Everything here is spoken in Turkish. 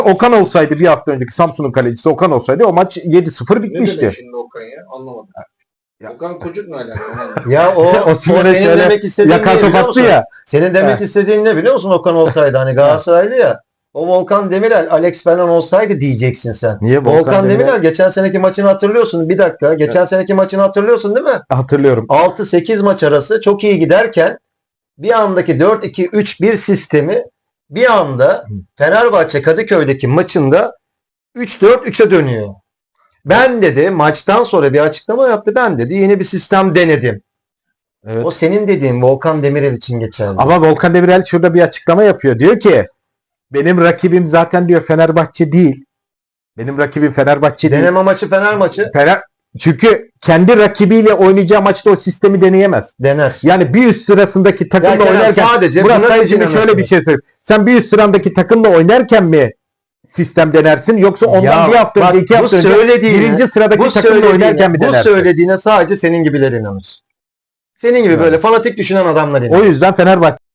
Okan olsaydı, bir hafta önceki Samsun'un kalecisi Okan olsaydı o maç 7-0 Ne bitmişti. demek şimdi Okan ya? Anlamadım. Ya. Okan Kocuk mu alakalı? Ya o Osimhen'e senin şöyle demek istediğin yakar ne top biliyor attı musun? ya. Senin demek He. istediğin ne biliyor musun Okan olsaydı hani Galatasaraylı ya. O Volkan Demirel, Alex falan olsaydı diyeceksin sen. Niye Volkan Demirel geçen seneki maçını hatırlıyorsun. Bir dakika. Geçen seneki maçını hatırlıyorsun değil mi? Hatırlıyorum. 6-8 maç arası çok iyi giderken bir andaki 4-2-3-1 sistemi bir anda Fenerbahçe Kadıköy'deki maçında 3-4-3'e dönüyor. Ben dedi maçtan sonra bir açıklama yaptı. Ben dedi yeni bir sistem denedim. Evet. O senin dediğin Volkan Demirel için geçerli. Ama Volkan Demirel şurada bir açıklama yapıyor. Diyor ki benim rakibim zaten diyor Fenerbahçe değil. Benim rakibim Fenerbahçe değil. Deneme maçı Fener maçı Çünkü kendi rakibiyle oynayacağı maçta o sistemi deneyemez. dener. Yani bir üst sırasındaki takımla Ya Kenan, oynarken sadece Murat buna Dayı şimdi seçilemezsin. şöyle bir şey söyleyeyim. Sen bir üst sıradaki takımla oynarken mi sistem denersin yoksa ondan Ya bir hafta bak, önce, 2 bu hafta önce söylediğine- birinci sıradaki takımla oynarken mi bu denersin? söylediğine sadece senin gibiler inanır. Senin gibi Evet. böyle fanatik düşünen adamlar inanır. O yüzden Fenerbahçe